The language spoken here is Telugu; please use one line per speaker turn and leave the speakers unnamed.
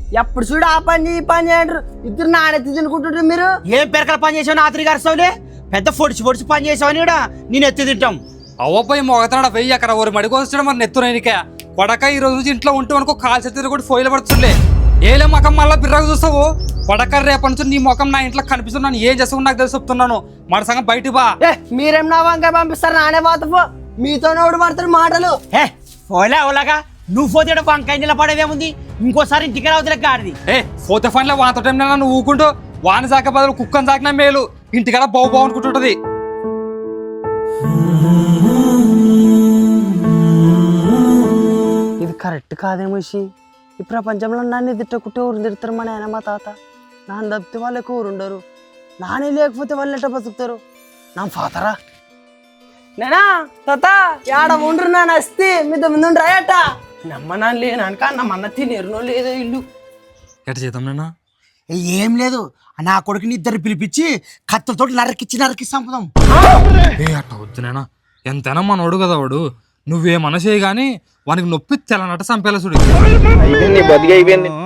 ఎప్పుడు చూడు ఆ పని ఈ పని చేయరు ఇద్దరు నాణ్యత తినుకుంటుంటారు మీరు.
ఏం పెరకల పని చేసావు ఆత్రి గారుసావులే పెద్ద పొడిచి పని చేసావని కూడా నేను ఎత్తి తింటాం.
అవ్వపోయి మొగతాడ వెయ్యి అక్కడ ఓరి మడికొస్తాడు మరి నెత్తునక కొడక ఈ రోజు నుంచి ఇంట్లో ఉంటే అనుకో కాల్ చేతి కూడా ఫోయిలు పడుతుండే ఏలే ముఖం మళ్ళీ బిర్రగా చూస్తావు కొడక రేపటి నుంచి నీ ముఖం నా ఇంట్లో కనిపిస్తున్నాను ఏం చేస్తావు నాకు తెలిసి చెప్తున్నాను మన సంగం బయట బా.
మీరేం నా వంకాయ పంపిస్తారు నానే పోతపో మీతో నోడు పడతారు మాటలు.
ఓలా ఓలాగా నువ్వు పోతే వంకాయ నిలబడేదేముంది ఇంకోసారి ఇంటికి రావద్దులే గాడిది.
పోతే ఫన్లో వానతో టైం నన్ను ఊకుంటూ వాన సాక బదులు కుక్కని సాకినా మేలు ఇంటికాడ బావు అనుకుంటుంటది.
ఇది కరెక్ట్ కాదేమో ఈ ప్రపంచంలో నన్ను తిట్టకుంటే ఊరు తిడతారు మా నాయన మా తాత. నాన్న తప్పితే వాళ్ళు ఎక్కువ ఊరు ఉండరు నానే లేకపోతే వాళ్ళు ఎట్ట బతుకుతారు నా ఫాదరా నేనా తాత ఏడ ఉండ్రు నా నస్తే మీతో ముందు రాయట నమ్మనా లేనక నమ్మన్న తినేరునో లేదో ఇల్లు
ఎట్ట చేద్దాం నేనా
ఏం లేదు నా కొడుకుని ఇద్దరు పిలిపించి కత్తులతో నరకిచ్చి చంపుదాం.
అట్ట వద్దు నేనా ఎంతైనా మనోడు కదా వాడు నువ్వేమన్నా చేయి గానీ వానికి నొప్పి తెల్లనట్ట చంపేలా చూడు.